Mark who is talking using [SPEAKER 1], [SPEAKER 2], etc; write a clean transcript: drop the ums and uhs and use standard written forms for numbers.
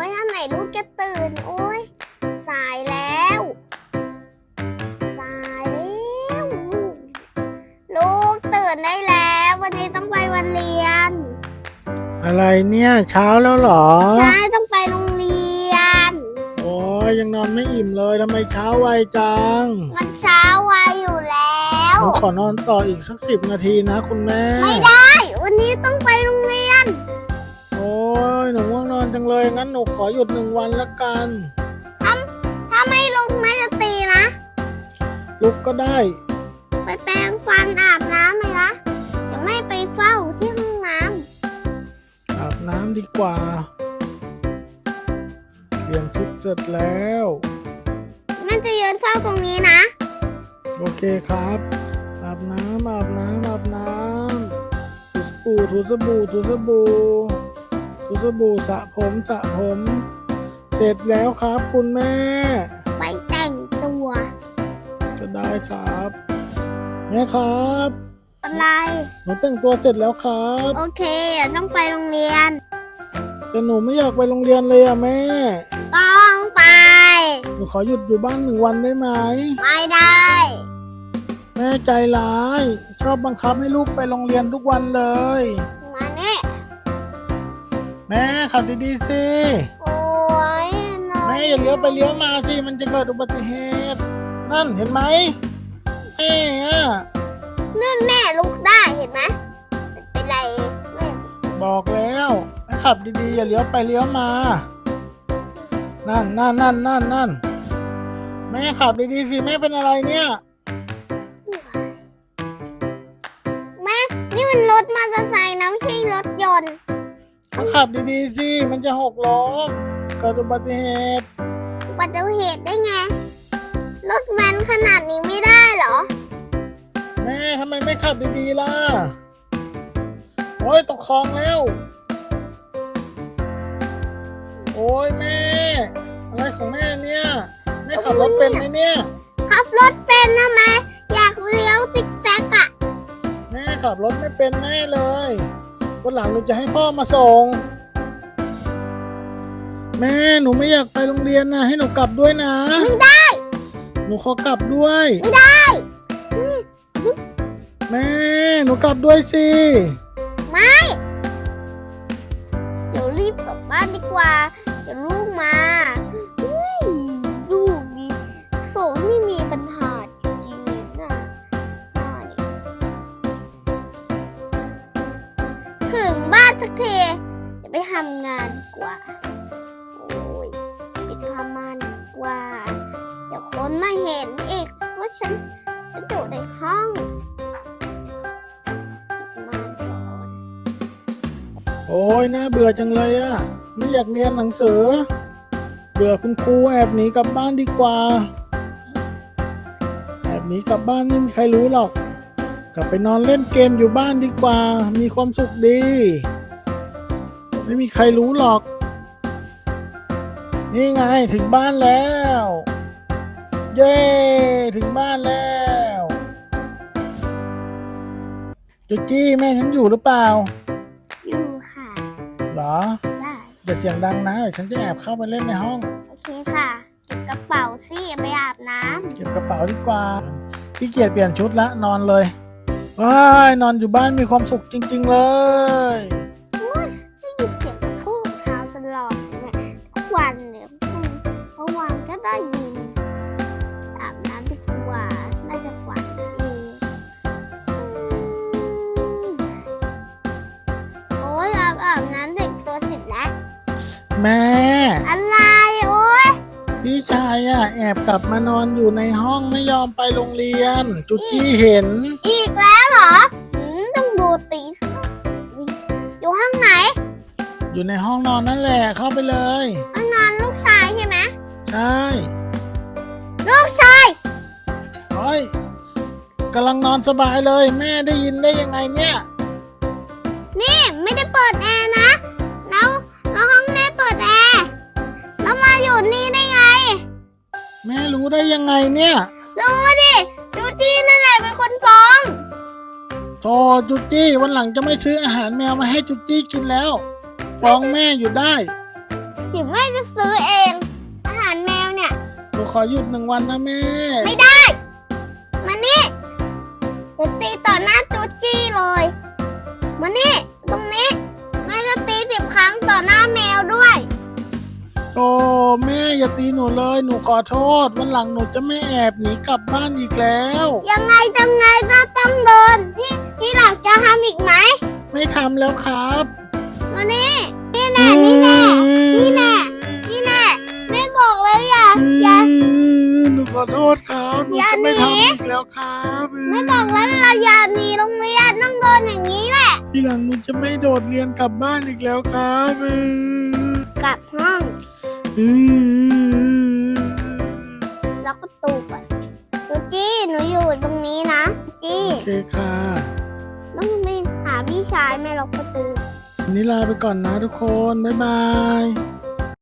[SPEAKER 1] ยอันไหนลูกจะตื่นโอ้ยสายแล้วสายแล้วลูกตื่นได้แล้ววันนี้ต้องไปวันเรียน
[SPEAKER 2] อะไรเนี่ยเช้าแล้วเหรอ
[SPEAKER 1] ใช่ต้องไปโรงเรียน
[SPEAKER 2] โอ้ยยังนอนไม่อิ่มเลยทำไมเช้าไวจัง
[SPEAKER 1] มันเช้าไวอยู่แล้ว
[SPEAKER 2] หนูขอนอนต่ออีกสัก10 นาทีนะคุณแม่
[SPEAKER 1] ไม่ได้วันนี้ต้องไปโรงเรียน
[SPEAKER 2] โอ้ยหนูง่วงนอนจังเลยงั้นหนูขอหยุด1 วันละกัน
[SPEAKER 1] ถ้าไม่ลุกแม่จะตีนะ
[SPEAKER 2] ลุกก็ได้
[SPEAKER 1] ไปแปรงฟันอาบน้ำไหมล่ะจะไม่ไปเฝ้าที่ห้องน้
[SPEAKER 2] ำอาบน้ำดีกว่าเปลี่ยนชุดเสร็จแล้ว
[SPEAKER 1] แม่จะยืนเฝ้าตรงนี้นะ
[SPEAKER 2] โอเคครับอาบน้ำถูสบู่สระผมเสร็จแล้วครับคุณแม่
[SPEAKER 1] ไปแต่งตัว
[SPEAKER 2] จะได้ครับแม่ครับ
[SPEAKER 1] อะไร
[SPEAKER 2] หนูแต่งตัวเสร็จแล้วครับ
[SPEAKER 1] โอเคต้องไปโรงเรียน
[SPEAKER 2] แต่หนูไม่อยากไปโรงเรียนเลยอะแม่
[SPEAKER 1] ต้องไป
[SPEAKER 2] หนูขอหยุดอยู่บ้าน1 วันได้ไหม
[SPEAKER 1] ไม่ได้
[SPEAKER 2] แม่ใจร้ายชอบบังคับให้ลูกไปโรงเรียนทุกวันเลย
[SPEAKER 1] มาเนี่ย
[SPEAKER 2] แม่ขับดีๆสิ
[SPEAKER 1] โอ้ย
[SPEAKER 2] แม่อย่าเลี้ยวไปเลี้ยวมาสิมันจะเกิดอุบัติเหตุนั่นเห็นไหมแม่
[SPEAKER 1] นั่นแม่ลุกได้เห็นไหมเป็นไรแม่
[SPEAKER 2] บอกแล้วให้ขับดีๆอย่าเลี้ยวไปเลี้ยวมานั่นแม่ขับดีๆสิแม่เป็นอะไรเนี่ย
[SPEAKER 1] แม่นี่มันรถมอเตอร์ไซค์นะไม่ใช่รถยนต์
[SPEAKER 2] ขับดีๆสิมันจะหกล้มเกิดอุบัติเหตุ
[SPEAKER 1] ได้ไงรถแว้นขนาดนี้ไม่ได้เหรอ
[SPEAKER 2] แม่ทำไมไม่ขับดีๆล่ะโอ้ยตกคลองแล้วโอ้ยแม่อะไรของแม่เนี่ยแม่ขับรถเป็นไหมเนี่ย
[SPEAKER 1] ขับรถเป็นทำไมอยากเลี้ยวซิกแซกอะ
[SPEAKER 2] แม่ขับรถไม่เป็นแน่เลยวันหลังหนูจะให้พ่อมาส่งแม่หนูไม่อยากไปโรงเรียนนะให้หนูกลับด้วยนะ
[SPEAKER 1] ไม่ได้
[SPEAKER 2] หนูขอกลับด้วย
[SPEAKER 1] ไม่ได้
[SPEAKER 2] แม่หนูกลับด้วยสิ
[SPEAKER 1] ไม่เดี๋ยวรีบกลับบ้านดีกว่าเดี๋ยวลูกมาลูกนี่โสไม่มีปัญหาจริงๆนะถึงบ้านสักทีจะไปทำงานดีกว่าโอ้ยไปทำงานดีกว่าเดี๋ยวคนมาเห็นอีกว่าฉันอยู่ในห้อง
[SPEAKER 2] โอ้ยน่าเบื่อจังเลยอะไม่อยากเรียนหนังสือเบื่อคุณครูแอบหนีกลับบ้านดีกว่าแอบหนีกลับบ้านไม่มีใครรู้หรอกกลับไปนอนเล่นเกมอยู่บ้านดีกว่ามีความสุขดีไม่มีใครรู้หรอกนี่ไงถึงบ้านแล้วเย้ถึงบ้านแล้วจุจี้แม่ฉันอยู่หรือเปล่า
[SPEAKER 1] อยู่ค่ะ
[SPEAKER 2] เหรอ
[SPEAKER 1] ใช่
[SPEAKER 2] อย่าเสียงดังนะเดี๋ยวฉันจะแอบเข้าไปเล่นในห้อง
[SPEAKER 1] โอเคค่ะเก็บกระเป๋าสิไปอาบน้ำ
[SPEAKER 2] เก็บกระเป๋าดีกว่าขี้เกียจเปลี่ยนชุดละนอนเลยว้ายนอนอยู่บ้านมีความสุขจริงๆเลย
[SPEAKER 1] ไม่หยุดเก็บทูบเท้าตลอดเนี่ยทุกวันเนี่ยเมื่อวานก็ได้ยินอาบน้ำดีกว่าน่าจะฝันดีโอ้ยอาบน้ำเด็กตัวเสร็จแล้ว
[SPEAKER 2] แม่
[SPEAKER 1] อะไรโอ้ย
[SPEAKER 2] พี่ชายแอบกลับมานอนอยู่ในห้องไม่ยอมไปโรงเรียนจุจี้เห็น
[SPEAKER 1] อีกแล้วเหรอต้องดูตีอยู่ห้องไหน
[SPEAKER 2] อยู่ในห้องนอนนั่นแหละเข้าไปเลย
[SPEAKER 1] ห้องนอนลูกชายใช่ไหม
[SPEAKER 2] ใช่
[SPEAKER 1] ลูกชาย
[SPEAKER 2] โอ้ยกำลังนอนสบายเลยแม่ได้ยินได้ยังไงเนี่ย
[SPEAKER 1] นี่ไม่ได้เปิดแอร์นะแล้วห้องแม่เปิดแอร์แล้วมาอยู่นี่ได้ไง
[SPEAKER 2] แม่รู้ได้ยังไงเนี่ย
[SPEAKER 1] รู้ดิจูจี้นั่นแหละเป็นคนฟ้อง
[SPEAKER 2] โธ่จุจี้วันหลังจะไม่ซื้ออาหารแมวมาให้จุจี้กินแล้วฟ้องแม่อยู่ได้
[SPEAKER 1] อย่าดี๋ยวแม่จะซื้อเองอาหารแมวเนี่ย
[SPEAKER 2] หนูขอหยุด1 วันนะแม่
[SPEAKER 1] ไม่ได้มานี่จะตีต่อหน้าจูจี้เลยมานี่ตรงนี้แม่จะตี10 ครั้งต่อหน้าแมวด้วย
[SPEAKER 2] โอ้แม่อย่าตีหนูเลยหนูขอโทษวันหลังหนูจะไม่แอบหนีกลับบ้านอีกแล้ว
[SPEAKER 1] ยังไงก็ต้องโดนที่หลังจะทำอีกไหม
[SPEAKER 2] ไม่ทำแล้วครับ
[SPEAKER 1] มานี่นี่แน่แม่บอกแล้วอย่า
[SPEAKER 2] หนูขอโทษครับหนู
[SPEAKER 1] อย่า
[SPEAKER 2] จะไม่
[SPEAKER 1] หนี
[SPEAKER 2] ทำอีกแล้วครับ
[SPEAKER 1] ไม่บอกแล้วเราอย่าหนีโรงเรียนต้องโดนอย่างนี้แหละ
[SPEAKER 2] ทีหลังหนูจะไม่โดดเรียนกลับบ้านอีกแล้วครับ
[SPEAKER 1] กลับห้องล็อกประตูก่อนจูจี้หนูอยู่ตรงนี้นะจี้
[SPEAKER 2] โอเคค่ะ
[SPEAKER 1] ต้องไปหาพี่ชายแม่ล็อกประตู
[SPEAKER 2] วันนี้ลาไปก่อนนะทุกคนบ๊ายบาย